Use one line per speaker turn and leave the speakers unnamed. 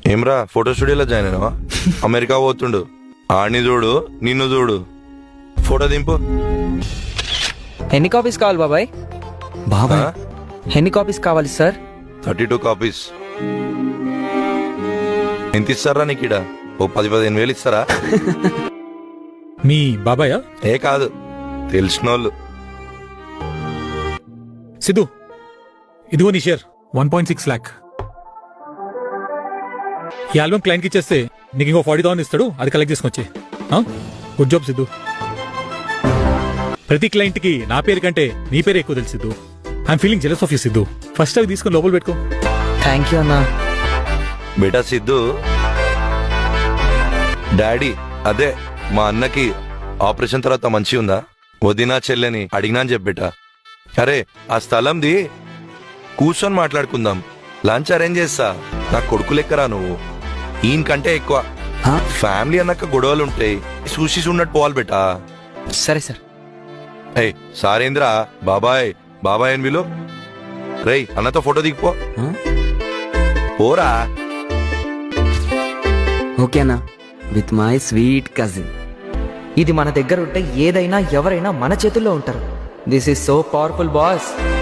ఏమ్రా ఫోటో స్టూడియోలో join అయినావా? America పోతుండు, ఆడిని చూడు నిన్ను చూడు. ఫోటో దింపు.
ఎన్ని కాపీస్ కావాలి బాబాయ్?
బాబాయ్
ఎన్ని కాపీస్ కావాలి సార్?
32 కాపీస్. ఎంత ఇస్తారా నీకు? ఇడ ఓ 10-15 వేలు ఇస్తారా?
మీ బాబాయా?
ఏ కాదు, తెలిసిన వాళ్ళు.
సిద్ధు, ఇదిగో నీ షేర్ 1.6 lakh. ఈ ఆల్బమ్ క్లయింట్ కి ఇచ్చేస్తే నీకు ఇంకో 40,000 ఇస్తాడు, అది కలెక్ట్ చేసుకొచ్చి. Good job Siddhu. ప్రతి క్లయింట్ కి నా పేరు కంటే నీ పేరు ఎక్కువ తెలుసు Siddhu. I'm feeling jealous of you Siddhu. First అవి తీసుకొని లోపల పెట్టుకో.
థ్యాంక్ యూ అన్నా.
బేటా సిద్ధు, డాడీ అదే మా అన్నకి ఆపరేషన్ తర్వాత మంచి ఉందా? వదినా చెల్లెని అడిగినా అని చెప్పేటా. అరే ఆ స్థలంది కూర్చొని మాట్లాడుకుందాం, లంచ్ అరేంజ్ చేస్తా. నా కొడుకు లెక్కరా నువ్వు, ఈయన కంటే ఎక్కువ. ఫ్యామిలీ అన్నాక గొడవలు ఉంటాయి, చూసి ఉన్నట్టు పోవాలి బేటా.
సరే సార్.
ఏ సారేంద్రా, బాబాయ్ బాబాయ్ అని విలు. రేయ్ అన్నతో ఫోటో దిగిపో. పోరా.
ఓకే అన్నా, విత్ మై స్వీట్ కజిన్.
ఇది మన దగ్గర ఉంటే ఏదైనా ఎవరైనా మన చేతుల్లో ఉంటారు. This is so powerful boss.